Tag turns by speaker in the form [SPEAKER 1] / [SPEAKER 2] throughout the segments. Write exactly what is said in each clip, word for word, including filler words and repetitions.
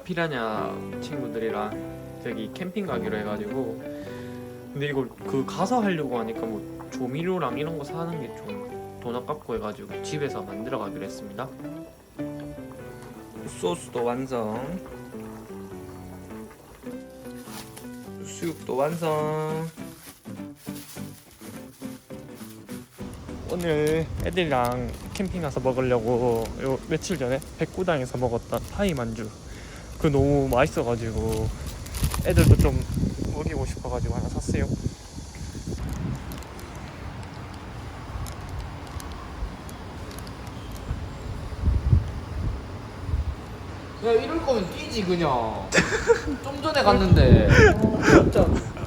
[SPEAKER 1] 피라냐 친구들이랑 저기 캠핑 가기로 해가지고, 근데 이걸 그 가서 하려고 하니까 뭐 조미료랑 이런 거 사는 게 좀 돈 아깝고 해가지고 집에서 만들어 가기로 했습니다. 소스도 완성, 수육도 완성. 오늘 애들이랑 캠핑 가서 먹으려고 요 며칠 전에 백구당에서 먹었던 파이 만주, 그 너무 맛있어가지고 애들도 좀 먹이고 싶어가지고 하나 샀어요.
[SPEAKER 2] 야, 이럴 거면 뛰지 그냥. 좀 전에 갔는데. 진짜.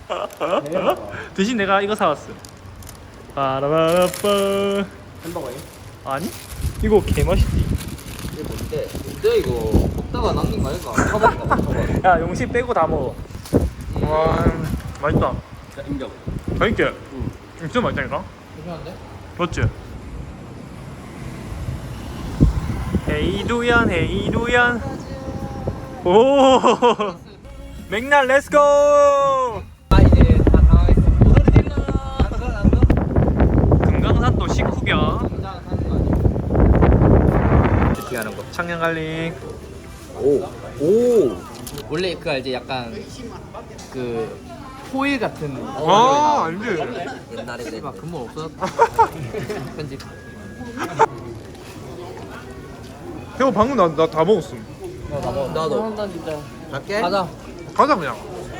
[SPEAKER 1] 대신 내가 이거 사왔어. 빠라바라빠.
[SPEAKER 2] 햄버거임?
[SPEAKER 1] 아니? 이거 개맛있지?
[SPEAKER 2] 이게 뭔데? 뭔데 이거? 먹다가 남긴 거 아닐까? 사먹을까? 사먹어.
[SPEAKER 1] 야, 용신 빼고 다 먹어. 와, 맛있다.
[SPEAKER 2] 자, 인정.
[SPEAKER 1] 맛있게?
[SPEAKER 2] 응.
[SPEAKER 1] 진짜 맛있다니까?
[SPEAKER 2] 괜찮은데?
[SPEAKER 1] 맞지? 헤이두연 헤이두연. 오 맥날 렛츠고.
[SPEAKER 2] 아, 이제 다 당황했어. 오늘은 됐나? 안 가, 안 가?
[SPEAKER 1] 금강산도 식후경
[SPEAKER 2] 당장 사는 거 아니야?
[SPEAKER 1] 피하는 거 청양갈릭.
[SPEAKER 2] 오. 오. 원래 그 알지? 약간 그 포일 같은.
[SPEAKER 1] 아 아니지.
[SPEAKER 2] 옛날에 그래. 막 근본 없어졌다. 편집.
[SPEAKER 1] 형 방금 나 나 다 먹었음.
[SPEAKER 2] 나도. 나도 진짜. 갈게. 가자.
[SPEAKER 1] 가자 그냥.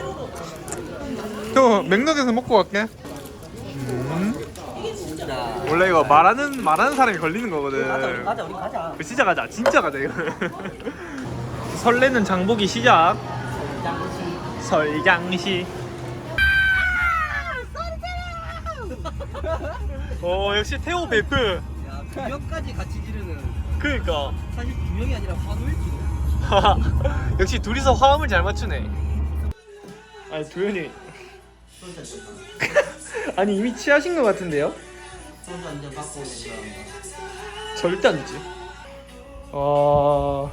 [SPEAKER 1] 형 맥락에서 먹고 갈게. 음. 원래 이거 말하는 말하는 사람이 걸리는 거거든.
[SPEAKER 2] 가자, 우리 가자, 우리 가자.
[SPEAKER 1] 진짜 가자, 진짜 가자 이거. 설레는 장보기 시작. 설장시. 오 역시 태호 베프.
[SPEAKER 2] 야, 두 명까지 같이 지르는.
[SPEAKER 1] 그러니까.
[SPEAKER 2] 사실 두 명이 아니라 화도일지도.
[SPEAKER 1] 역시 둘이서 화음을 잘 맞추네. 아니 도현이. 아니 이미 취하신 것 같은데요?
[SPEAKER 2] 소주 한잔 받고 오는 거야.
[SPEAKER 1] 절대 안 되지. 와.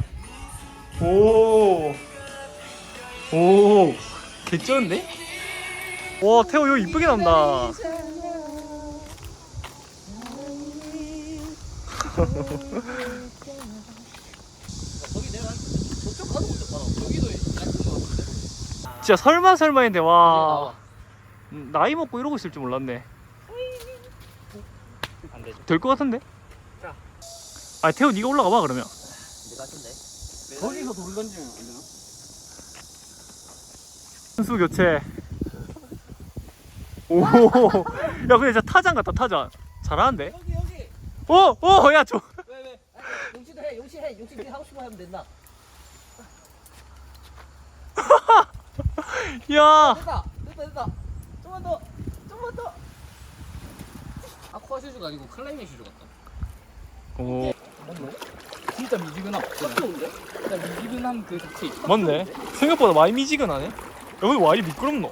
[SPEAKER 1] 오. 오. 개쩌는데? 와 태호 이거 이쁘게 나온다.
[SPEAKER 2] 저기 내가 저쪽 가도 못 봐라. 저기도 약간 거 같은데.
[SPEAKER 1] 진짜 설마 설마인데 와.
[SPEAKER 2] 나와.
[SPEAKER 1] 나이 먹고 이러고 있을 줄 몰랐네.
[SPEAKER 2] 안 되죠.
[SPEAKER 1] 될 것 같은데?
[SPEAKER 2] 자.
[SPEAKER 1] 아 태호 네가 올라가 봐 그러면.
[SPEAKER 2] 내 같은데. 거기서 돌 던지면 안 되나?
[SPEAKER 1] 선수 교체. 오. 야 근데 진짜 타잔 같다 타잔. 잘하는데?
[SPEAKER 2] 여기 여기.
[SPEAKER 1] 오! 오! 야 저.
[SPEAKER 2] 왜 왜? 용치도 해. 용치 해. 용치 네 하고 싶어 하면 된다.
[SPEAKER 1] 야.
[SPEAKER 2] 됐다. 됐다 됐다. 좀만 더. 좀만 더. 아쿠아 슈즈가 아니고 클라이밍 슈즈 같다.
[SPEAKER 1] 오.
[SPEAKER 2] 진짜 미지근함. 좋은데? 진짜 미지근함 그 자체.
[SPEAKER 1] 맞네. 생각보다 많이 미지근하네. 여기 와 이리 미끄럽노?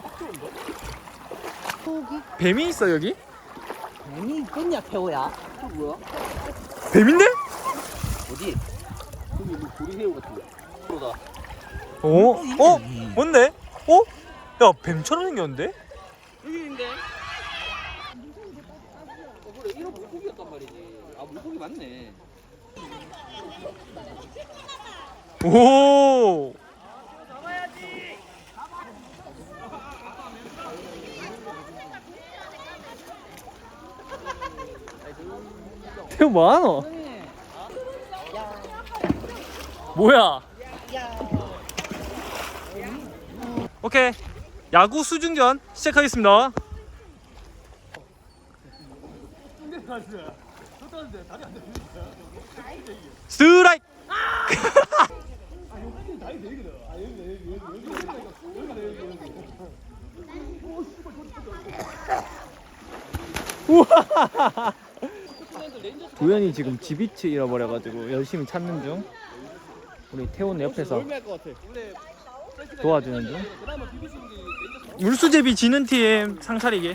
[SPEAKER 1] 뱀이 있어 여기?
[SPEAKER 2] 뱀이 있겠냐 태호야? 또 뭐야?
[SPEAKER 1] 뱀인데?
[SPEAKER 2] 어디? 여기 뭐 고리새우 같은데. 그러다.
[SPEAKER 1] 어? 어? 뭔데? 어? 야 뱀처럼 생겼는데?
[SPEAKER 2] 여기 있는데. 어 그래 이런 물고기였단 말이지. 아 물고기 맞네.
[SPEAKER 1] 오. 태우 뭐하노? 뭐야? 오케이 야구 수중전 시작하겠습니다. 스트라이크. 우와. 도현이 지금 지비치 잃어버려가지고 열심히 찾는 중. 우리 태훈 옆에서 도와주는 중. 물수제비 지는 팀 상차리기.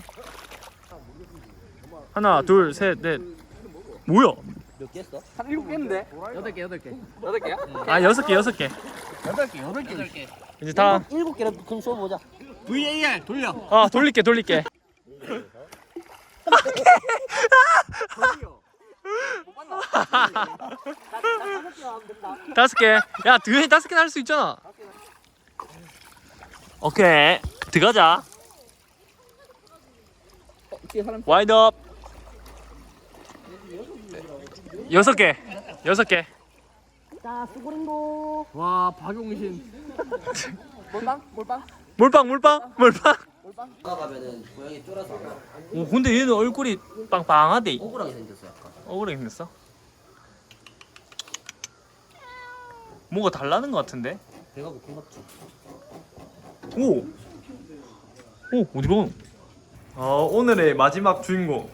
[SPEAKER 1] 하나 둘 셋 넷. 뭐야?
[SPEAKER 2] 몇 개 했어? 한 일곱 개인데? 여덟 개 여덟 개. 여덟 개야?
[SPEAKER 1] 아 여섯 개 여섯 개.
[SPEAKER 2] 여덟 개 여덟 개 여덟 개
[SPEAKER 1] 이제 다.
[SPEAKER 2] 일곱 개라도 그럼 쏘보자. 브이에이알 돌려.
[SPEAKER 1] 아 돌릴게 돌릴게. 다섯 개. 야 드에 다섯 개는 할 수 있잖아. 오케이 들어가자.
[SPEAKER 2] 어, 뒤에 사람.
[SPEAKER 1] 와인드업. 여섯 개. 여섯 개.
[SPEAKER 2] 자 수고링고. 와 박용신. 몰빵 몰빵
[SPEAKER 1] 몰빵 몰빵 몰빵.
[SPEAKER 2] 몰빵. 가면은 고양이 쫄아서 안 와.
[SPEAKER 1] 오 근데 얘는 얼굴이 빵빵하대.
[SPEAKER 2] 억울하게 생겼어 약간.
[SPEAKER 1] 억울하게 생겼어? 뭔가 달라는 것 같은데?
[SPEAKER 2] 배가 고픈 것 같죠.
[SPEAKER 1] 오! 오 어디로? 아 오늘의 마지막 주인공.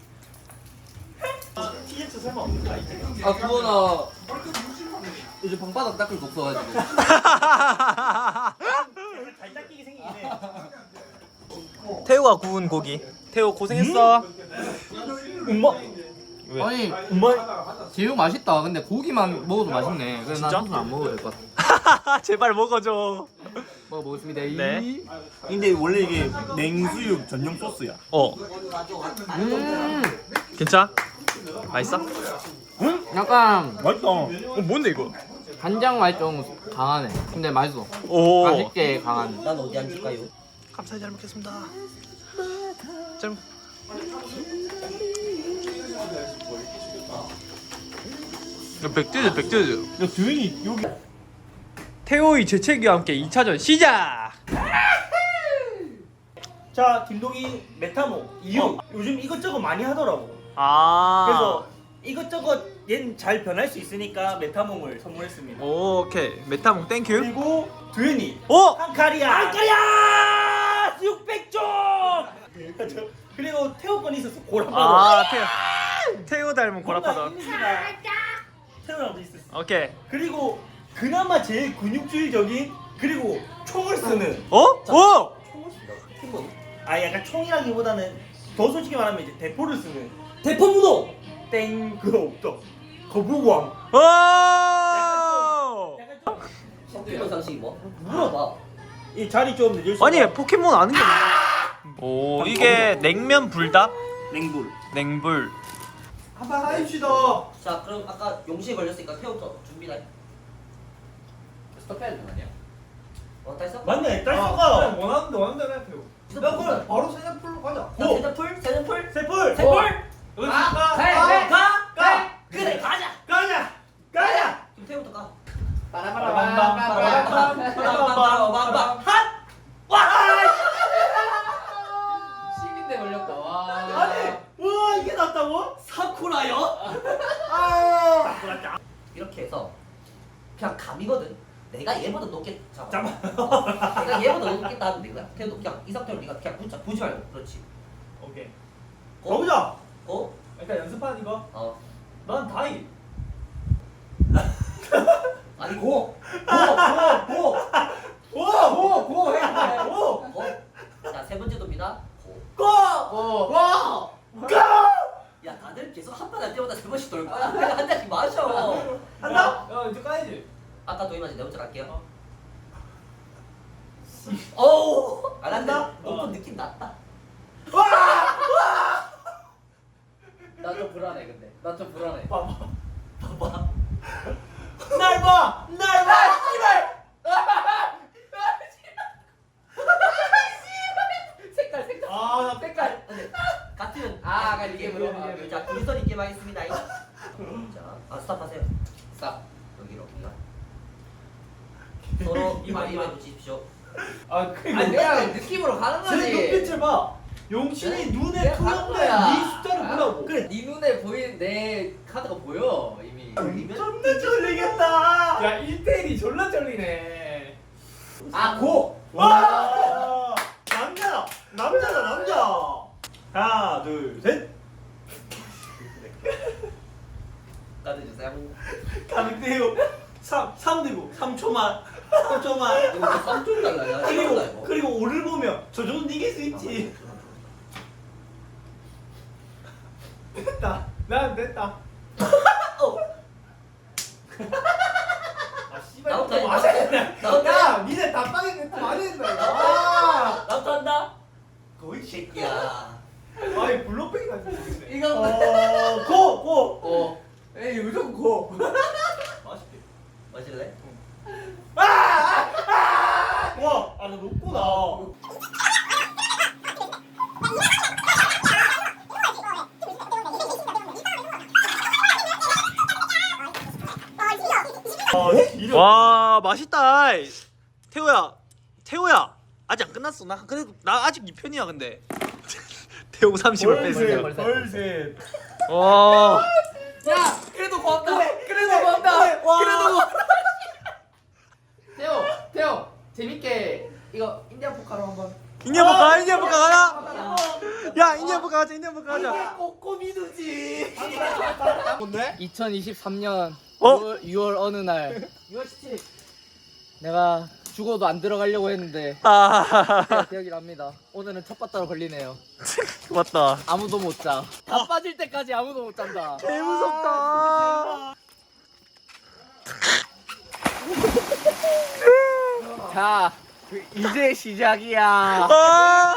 [SPEAKER 1] 티셔츠 설마 없는가 이제?
[SPEAKER 2] 아 그거 나 요즘 방바닥 닦을 거 없어가지고.
[SPEAKER 1] 잘 닦이게 생기네. 태우가 구운 고기. 태우 고생했어. 엄마. 왜?
[SPEAKER 2] 아니
[SPEAKER 1] 엄마.
[SPEAKER 2] 제육 맛있다. 근데 고기만 먹어도 맛있네. 그래서 난
[SPEAKER 1] 진짜?
[SPEAKER 2] 소스 안 먹어도 될 것 같아.
[SPEAKER 1] 제발 먹어줘.
[SPEAKER 2] 먹어보겠습니다.
[SPEAKER 1] 네.
[SPEAKER 3] 근데 원래 이게 냉수육 전용 소스야.
[SPEAKER 1] 어.
[SPEAKER 2] 음
[SPEAKER 1] 괜찮아? 맛있어?
[SPEAKER 2] 약간
[SPEAKER 3] 맛있다.
[SPEAKER 1] 어 뭔데 이거?
[SPEAKER 2] 간장 맛이 좀 강하네. 근데 맛있어.
[SPEAKER 1] 오.
[SPEAKER 2] 맛있게 강한.
[SPEAKER 4] 난 어디 앉을까요?
[SPEAKER 1] 감사히 잘 먹겠습니다. 잘. 먹- 야, 백두즈 백두즈.
[SPEAKER 3] 야 주인이 여기.
[SPEAKER 1] 태호의 재채기와 함께 이 차전 시작.
[SPEAKER 3] 자 김동희 메타모 이유. 요즘 이것저것 많이 하더라고.
[SPEAKER 1] 아.
[SPEAKER 3] 그래서 이것저것 얘는 잘 변할 수 있으니까 메타몽을 선물했습니다.
[SPEAKER 1] 오케이 메타몽 땡큐.
[SPEAKER 3] 그리고 두현이
[SPEAKER 1] 오.
[SPEAKER 3] 한카리아. 한카리아 육백 종. 그리고 태호 건 있었어 고라파도.
[SPEAKER 1] 아 태호. 태호 닮은 고라파도.
[SPEAKER 3] 태호랑도 있었어.
[SPEAKER 1] 오케이.
[SPEAKER 3] 그리고 그나마 제일 근육질적인 그리고 총을 쓰는.
[SPEAKER 1] 어? 오.
[SPEAKER 3] 아 약간 총이라기보다는 더 솔직히 말하면 이제 대포를 쓰는
[SPEAKER 4] 대포문호!
[SPEAKER 3] 땡 그거 없죠. 거부왕.
[SPEAKER 1] 오.
[SPEAKER 3] 약간 좀
[SPEAKER 4] 성격 상식이 뭐? 물어봐.
[SPEAKER 3] 이 자리 좀 늦을 수.
[SPEAKER 1] 아니 포켓몬 아는 게. 오 이게 냉면 불닭
[SPEAKER 3] 냉불.
[SPEAKER 1] 냉불.
[SPEAKER 3] 한번 하입시다.
[SPEAKER 4] 자, 그럼 아까 용시에 걸렸으니까 태우부터 준비다.
[SPEAKER 2] 스톱해야 되는 거 아니야?
[SPEAKER 4] 어, 다 했어?
[SPEAKER 3] 맞네. 딸쏘가.
[SPEAKER 5] 원하는데 원하는 대로 해요.
[SPEAKER 4] 야, 그럼
[SPEAKER 5] 바로 세자풀로 가자.
[SPEAKER 4] 자, 세자풀? 세자풀?
[SPEAKER 3] 세풀.
[SPEAKER 4] 세풀?
[SPEAKER 5] 여기
[SPEAKER 4] 가!
[SPEAKER 5] 가.
[SPEAKER 4] 가!
[SPEAKER 5] 가.
[SPEAKER 4] 가!
[SPEAKER 3] 가.
[SPEAKER 4] 그래, 가자!
[SPEAKER 3] 가자. 가자.
[SPEAKER 4] 그럼 태우부터 가.
[SPEAKER 2] 빠라바라밤.
[SPEAKER 4] 핫!
[SPEAKER 2] 십인데 걸렸다. 와.
[SPEAKER 3] 아니. 와 이게 낫다고?
[SPEAKER 4] 사쿠라요?
[SPEAKER 3] 아.
[SPEAKER 4] 이렇게 해서 그냥 감이거든. 내가 얘보다 높게 잡아.
[SPEAKER 3] 잠깐.
[SPEAKER 4] 어, 내가 얘보다 높겠다 하면 된 거야. 태우도 그냥 이 상태로 네가 그냥 붙자. 보지 말고. 그렇지.
[SPEAKER 3] 오케이.
[SPEAKER 4] 고.
[SPEAKER 3] 가보자.
[SPEAKER 4] 고.
[SPEAKER 5] 일단 연습하는 이거.
[SPEAKER 4] 어.
[SPEAKER 5] 난 다이.
[SPEAKER 4] 아니 고. 고. 고. 고.
[SPEAKER 3] 오.
[SPEAKER 4] 고. 고. 해.
[SPEAKER 3] 오.
[SPEAKER 4] 고. 자, 세 번째 돕니다. 고.
[SPEAKER 3] 고.
[SPEAKER 2] 오.
[SPEAKER 3] 고. 고.
[SPEAKER 4] 야, 다들 계속 한 판 할 때마다 세 번씩 돌 거야. 그냥 한 잔씩 마셔.
[SPEAKER 3] 한다.
[SPEAKER 5] 야 이제 까야지.
[SPEAKER 4] 아까 도이마지 네 번째 갈게요. 어우. 안 한다. 높은 느낌 났다.
[SPEAKER 2] 나 좀 불안해 근데. 나 좀 불안해.
[SPEAKER 4] 봐봐.
[SPEAKER 3] 날 봐. 날 봐. 씨발.
[SPEAKER 2] 색깔 색깔.
[SPEAKER 3] 아, 나
[SPEAKER 2] 색깔.
[SPEAKER 4] 근데 같은
[SPEAKER 2] 아, 아까 이게
[SPEAKER 4] 게임으로
[SPEAKER 2] 뭐야, 이게
[SPEAKER 4] 자, 둘이서 게임 하겠습니다. 자, 아 스탑하세요.
[SPEAKER 2] 싹.
[SPEAKER 4] 여기로. 서로 이마이마 붙이십시오.
[SPEAKER 3] 아 그리고
[SPEAKER 2] 아니 내가 느낌으로 가는
[SPEAKER 3] 제
[SPEAKER 2] 거지.
[SPEAKER 3] 눈빛을 봐. 용신이 눈에
[SPEAKER 2] 내가
[SPEAKER 3] 투영된
[SPEAKER 2] 거야.
[SPEAKER 3] 네 숫자를
[SPEAKER 2] 아,
[SPEAKER 3] 보라고. 그래.
[SPEAKER 2] 네 눈에 보이는 내 카드가 보여 이미.
[SPEAKER 3] 존나 쫄리겠다.
[SPEAKER 5] 야 일대일이 졸라 쫄리네.
[SPEAKER 2] 아 고.
[SPEAKER 3] 와. 남자다. 남자다 남자. 하나 둘 셋.
[SPEAKER 4] 카드 주세요.
[SPEAKER 3] 가득대요. 삼, 삼 들고 삼 초만. 삼 초만.
[SPEAKER 4] 이거 삼 점 달라요.
[SPEAKER 3] 그리고 그리고 오를 보면 저 정도 이길 수 있지.
[SPEAKER 5] 됐다. 난 됐다.
[SPEAKER 4] 어.
[SPEAKER 5] 아 씨발
[SPEAKER 4] 나부터
[SPEAKER 5] 또
[SPEAKER 4] 해.
[SPEAKER 5] 마셔. 야 니네 답방에 멘트 많이 했다 이거. 아
[SPEAKER 4] 나도 한다. 거의 새끼야.
[SPEAKER 5] 아이 블록백이 같은 거
[SPEAKER 4] 이거
[SPEAKER 3] 어, 고! 고!
[SPEAKER 4] 어.
[SPEAKER 5] 에이 무조건 고.
[SPEAKER 3] 맛있게.
[SPEAKER 4] 마실래?
[SPEAKER 3] 와! 아, 나 높구나. 아, 이런.
[SPEAKER 1] 와 맛있다. 태호야, 태호야 아직 안 끝났어. 나 그래도 나 아직 이 편이야 근데. 태호 삼십을 뺐어요.
[SPEAKER 3] 벌새, 벌새.
[SPEAKER 1] 와.
[SPEAKER 4] 야, 그래도 고맙다. 그래도 고맙다. 그래도 고맙다. 태호, 태호, 재밌게 이거 인디안 포카로 한번.
[SPEAKER 1] 인디안 볼까? 인디안 볼까 가자. 야 인디안 볼까 가자. 인디안 볼까 가자.
[SPEAKER 4] 꼬꼬미 두지.
[SPEAKER 2] 이천이십삼 년
[SPEAKER 1] 어?
[SPEAKER 2] 유월, 유월 어느 날
[SPEAKER 4] 유월 십칠일.
[SPEAKER 2] 내가 죽어도 안 들어가려고 했는데
[SPEAKER 1] 아
[SPEAKER 2] 기억이 납니다. 오늘은 첫 바다로 걸리네요.
[SPEAKER 1] 맞다.
[SPEAKER 2] 아무도 못 자. 다 빠질 때까지 아무도 못 잔다.
[SPEAKER 1] 개 무섭다.
[SPEAKER 2] 자, 그 이제 시작이야.
[SPEAKER 1] 아.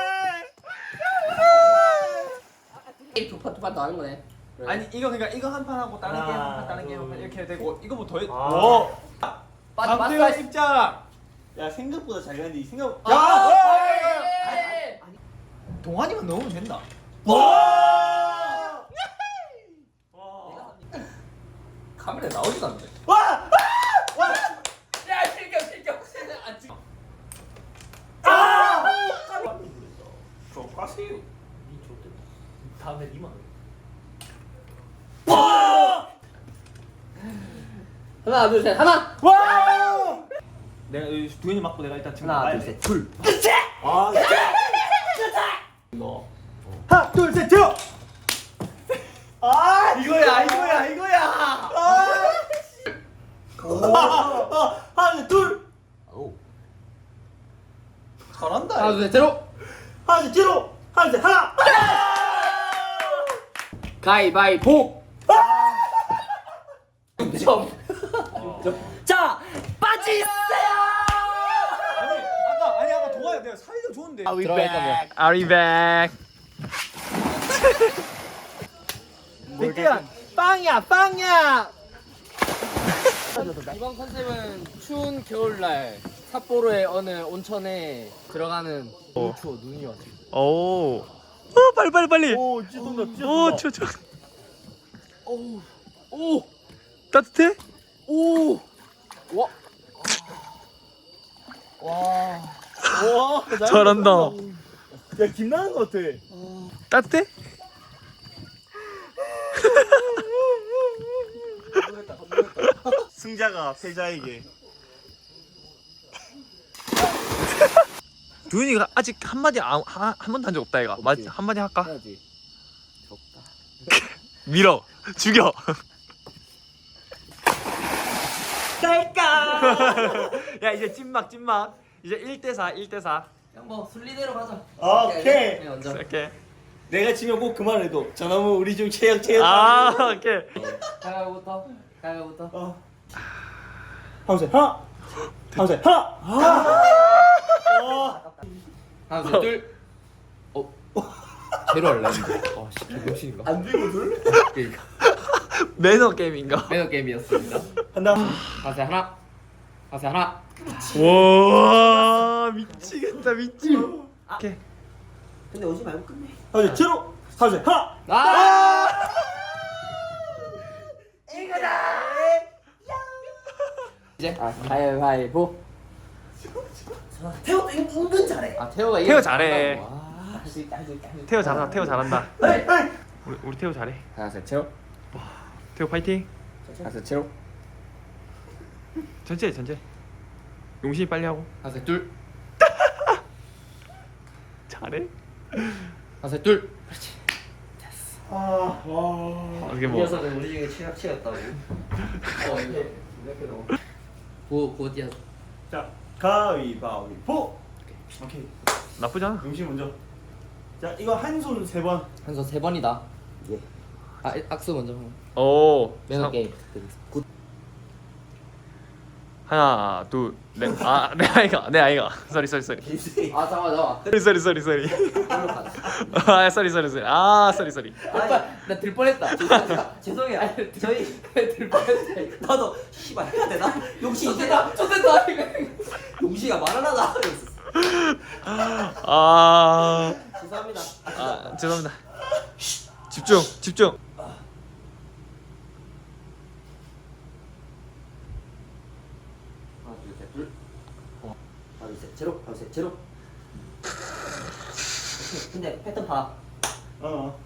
[SPEAKER 4] 두판두판 더 하는 거네.
[SPEAKER 5] 아니 이거 그러니까 이거 한 판 하고 다른
[SPEAKER 3] 하나,
[SPEAKER 5] 게임 한 판 다른 게임
[SPEAKER 3] 둘.
[SPEAKER 5] 한 판 이렇게 되고 이거 뭐 더 해.
[SPEAKER 3] 오!
[SPEAKER 4] 맞
[SPEAKER 5] 박태호
[SPEAKER 4] 맞다.
[SPEAKER 5] 입장.
[SPEAKER 3] 야, 생각보다 잘 가는데 이 생각.
[SPEAKER 5] 야!
[SPEAKER 3] 야!
[SPEAKER 4] 에이!
[SPEAKER 5] 동환이만 넣으면 된다.
[SPEAKER 3] 와!
[SPEAKER 4] 카메라 나오지도 않는데.
[SPEAKER 3] 와! 와!
[SPEAKER 4] 야, 실격 실격. 안 찍어.
[SPEAKER 3] 아! 저 가세요.
[SPEAKER 4] 니 좋대. 다음에 니만.
[SPEAKER 3] 와!
[SPEAKER 4] 하나 둘 셋. 하나.
[SPEAKER 3] 와! 내가 여기 두현이 맞고 내가 일단 지금
[SPEAKER 4] 하나
[SPEAKER 3] 나가야
[SPEAKER 4] 둘
[SPEAKER 3] 돼.
[SPEAKER 4] 셋. 둘.
[SPEAKER 3] 아, 이거. 하나, 둘, 셋, 쭉! 아, 이거야, 이거야, 이거야! 아! 아, 하나, 둘!
[SPEAKER 4] 오.
[SPEAKER 5] 잘한다.
[SPEAKER 2] 하나 둘셋 제로.
[SPEAKER 3] 하나, 둘, 뒤로! 하나, 둘, 하나!
[SPEAKER 2] 가위바위보.
[SPEAKER 4] 자, 빠지세요.
[SPEAKER 5] 아니 아까 아니 아까 동환이 내가 살려줬는데.
[SPEAKER 2] 들어갈 거면.
[SPEAKER 1] Are we back?
[SPEAKER 5] 백대한 빵이야 빵이야.
[SPEAKER 2] 이번 컨셉은 추운 겨울날 삿포로의 어느 온천에 들어가는 너무 추워. 눈이 와서.
[SPEAKER 1] 오. 어 빨리 빨리 빨리.
[SPEAKER 3] 오, 찢어진다,
[SPEAKER 1] 오
[SPEAKER 3] 찢어진다.
[SPEAKER 1] 추워 추워.
[SPEAKER 2] 오, 오,
[SPEAKER 1] 따뜻해?
[SPEAKER 2] 오. 와, 와.
[SPEAKER 3] 와, 나
[SPEAKER 1] 잘한다.
[SPEAKER 3] 야, 김나는 것 같아.
[SPEAKER 1] 따뜻해?
[SPEAKER 3] 승자가 패자에게.
[SPEAKER 1] 두윤이가 아직 한마디 안- 한, 한 번도 한 적 없다 이가. 맞 한마디 할까?
[SPEAKER 2] 해야지.
[SPEAKER 1] 밀어. 죽여.
[SPEAKER 3] 갈까?
[SPEAKER 1] 야 이제 찐막 찐막. 이제 일 대 사 일 대 사.
[SPEAKER 4] 그냥 뭐 순리대로 가자.
[SPEAKER 3] 오케이.
[SPEAKER 4] 네, 먼저.
[SPEAKER 1] 이렇게.
[SPEAKER 3] 내가 지면 꼭 그 말을 해도 저놈은 우리 중 최악 최악.
[SPEAKER 1] 아 오케이.
[SPEAKER 2] 가위부터. 가위부터.
[SPEAKER 3] 어. 하우세 하나. 하우세 하나. 아.
[SPEAKER 2] 하나 둘 둘. 어. 제로 할래. 아, 씨, 개병신인가?
[SPEAKER 3] 안 들고 둘?
[SPEAKER 2] 그러니까
[SPEAKER 1] 매너 게임인가?
[SPEAKER 2] 매너 게임이었습니다.
[SPEAKER 3] 한다.
[SPEAKER 2] 하세 하나. 하세 하나.
[SPEAKER 1] 와 미치겠다 미치. 오케이.
[SPEAKER 4] 근데 오지 말고 끝내.
[SPEAKER 3] 하우세 제로. 하우세 하나.
[SPEAKER 2] 아! 이제 아, 가위바위보.
[SPEAKER 4] 태호도 은- 은근 잘해.
[SPEAKER 2] 아, 태호가
[SPEAKER 1] 태호 잘해.
[SPEAKER 2] 와, 할수 있다, 할수 있다. 할수 있다.
[SPEAKER 1] 태호 잘한다. 태호 잘한다.
[SPEAKER 3] 에이 에이.
[SPEAKER 1] 우리 우리 태호 잘해.
[SPEAKER 2] 하세 제로.
[SPEAKER 1] 태호 파이팅.
[SPEAKER 2] 하세 제로.
[SPEAKER 1] 전체 전체. 용신이 빨리 하고.
[SPEAKER 2] 하세 둘.
[SPEAKER 1] 잘해.
[SPEAKER 2] 하세 둘.
[SPEAKER 3] 아, 와.
[SPEAKER 1] 어떻게
[SPEAKER 4] 이
[SPEAKER 1] 뭐.
[SPEAKER 4] 녀석은 우리 중에 최악치였다고. 어, 이게 이렇게 너무.
[SPEAKER 2] 구 구디아.
[SPEAKER 3] 자, 가위바위보. 오케이.
[SPEAKER 1] 나쁘잖아.
[SPEAKER 3] 용신 먼저. 자, 이거 한 손 세 번.
[SPEAKER 2] 한손 세 번이다. 예. 아, 악수 먼저.
[SPEAKER 1] 오.
[SPEAKER 2] 매너
[SPEAKER 1] 상-
[SPEAKER 2] 게임.
[SPEAKER 1] 하나 둘넷아내 아이가 내 아이가 쏘리 쏘리 쏘리
[SPEAKER 2] 아 잠깐만 잠깐만.
[SPEAKER 1] 쏘리 쏘리 쏘리 아 쏘리 쏘리 쏘리 아 쏘리 쏘리
[SPEAKER 2] 나 들 뻔했다.
[SPEAKER 4] 죄송해요. 저희
[SPEAKER 2] 들 뻔했다.
[SPEAKER 4] 나도 씨발 해야 되나? 용시
[SPEAKER 2] 좋겠다. 좋겠다.
[SPEAKER 4] 용시가 말하나?
[SPEAKER 1] 아,
[SPEAKER 4] 죄송합니다.
[SPEAKER 1] 아 죄송합니다 집중 집중
[SPEAKER 4] 하나 둘셋 둘. 어. 하나 둘셋 제로. 하나 둘셋 제로. 근데 패턴 봐.
[SPEAKER 3] 어.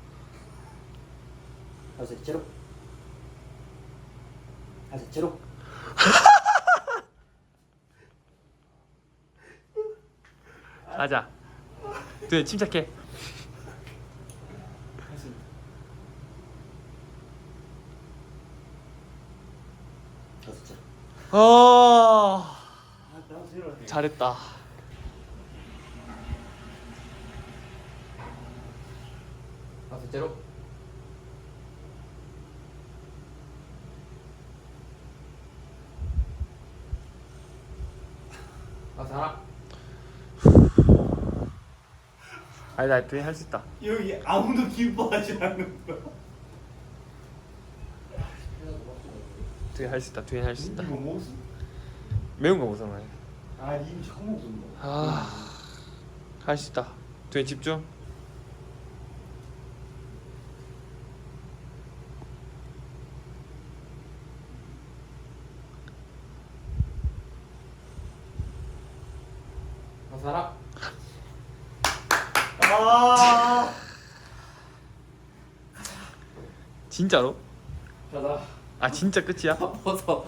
[SPEAKER 4] 하나 둘셋 제로. 하나 둘셋 제로.
[SPEAKER 1] 가자 네 침착해
[SPEAKER 4] 하나 둘셋 제로.
[SPEAKER 1] 아 잘했다
[SPEAKER 2] 아 제로. 아 잘하.
[SPEAKER 1] 아니 나 뒤에 할 수 있다
[SPEAKER 3] 여기 아무도 기뻐하지 않는 거야.
[SPEAKER 1] 뒤에 할 수 있다 뒤에 할 수 있다
[SPEAKER 3] 이거 먹었어?
[SPEAKER 1] 매운 거 무서워
[SPEAKER 3] 아 이미 처음 먹었는데.
[SPEAKER 1] 아할 수 있다 뒤에 집중
[SPEAKER 2] 아 잘하.
[SPEAKER 3] 아.
[SPEAKER 1] 진짜로?
[SPEAKER 2] 가자.
[SPEAKER 1] 아 진짜 끝이야?
[SPEAKER 2] 벗어.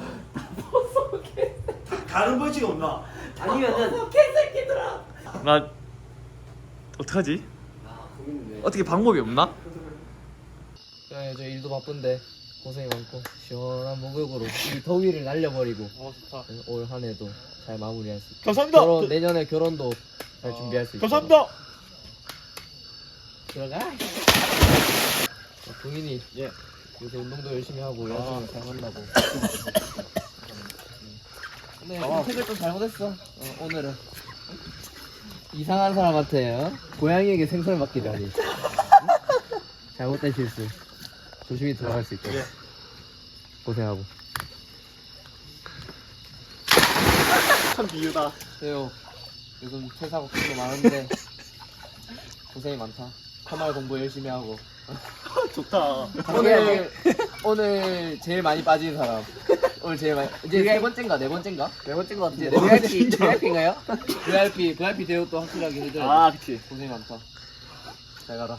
[SPEAKER 3] 다른 벌칙 없나?
[SPEAKER 4] 아니면은
[SPEAKER 1] 나 어떡하지?
[SPEAKER 2] 아 고민이네.
[SPEAKER 1] 어떻게 방법이 없나?
[SPEAKER 2] 네, 저 일도 바쁜데 고생이 많고 시원한 목욕으로 이 더위를 날려버리고
[SPEAKER 1] 어 좋다
[SPEAKER 2] 올 한해도 잘 마무리할 수 있고
[SPEAKER 3] 감사합니다.
[SPEAKER 2] 결혼 내년에 결혼도 잘
[SPEAKER 1] 어,
[SPEAKER 2] 준비할 수 있고
[SPEAKER 3] 감사합니다.
[SPEAKER 2] 들어가. 동인이
[SPEAKER 1] 예.
[SPEAKER 2] 요새 운동도 열심히 하고 여자친구 잘 만나고. 네, 선택을 좀 잘못했어. 어, 오늘은 이상한 사람한테 어? 고양이에게 생선을 맡기다니. 응? 잘못된 실수. 조심히 들어갈 수 있도록.
[SPEAKER 1] 예.
[SPEAKER 2] 고생하고.
[SPEAKER 1] 참 비유다
[SPEAKER 2] 세요. 요즘 퇴사 걱정도 많은데 고생이 많다. 컴활 공부 열심히 하고.
[SPEAKER 3] 좋다.
[SPEAKER 2] 오늘 오늘 제일 많이 빠진 사람. 오늘 제일 많이 이제 세 번째인가 네 번째인가? 네 번째인 것 같은데. 브이아이피 브이아이피인가요? 브이아이피 브이아이피 대우도 확실하게 해줘야 돼.
[SPEAKER 3] 아 그치.
[SPEAKER 2] 고생 많다. 잘 가라.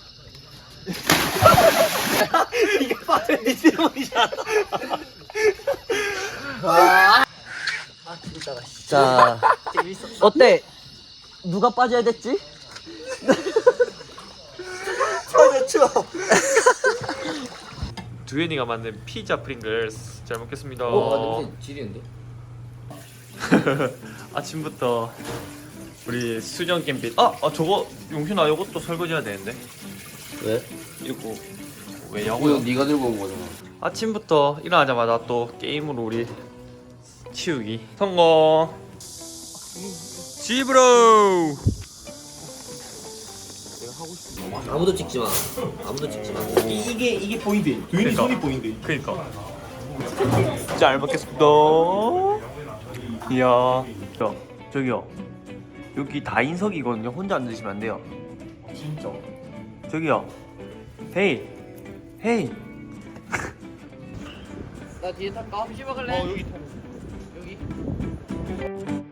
[SPEAKER 3] 이게 바로 내 질문이잖아.
[SPEAKER 4] 자, 어때? 누가 빠져야 됐지?
[SPEAKER 1] 두현이가 만든 피자 프링글스 잘 먹겠습니다
[SPEAKER 2] 어, 냄새 지리는데?
[SPEAKER 1] 아침부터 우리 수정 캠핑 아, 아 저거 용신아 이것도 설거지해야 되는데
[SPEAKER 2] 왜?
[SPEAKER 1] 이거 왜냐고요?
[SPEAKER 2] 네가 들고 온 거잖아.
[SPEAKER 1] 아침부터 일어나자마자 또 게임으로 우리 치우기 성공 집으로
[SPEAKER 4] 아무도 찍지 마. 아무도 찍지 마.
[SPEAKER 3] 이, 이게 이게 포인트. 두인이
[SPEAKER 1] 그러니까.
[SPEAKER 3] 손이 포인트.
[SPEAKER 1] 그니까 잘 먹겠습니다 이야 저, 저기요 여기 다인석이거든요 혼자 안 드시면 안 돼요
[SPEAKER 3] 진짜.
[SPEAKER 1] 저기요 헤이 헤이
[SPEAKER 2] 나 뒤에 탈까? 혹시 먹을래?
[SPEAKER 1] 여기
[SPEAKER 2] 여기.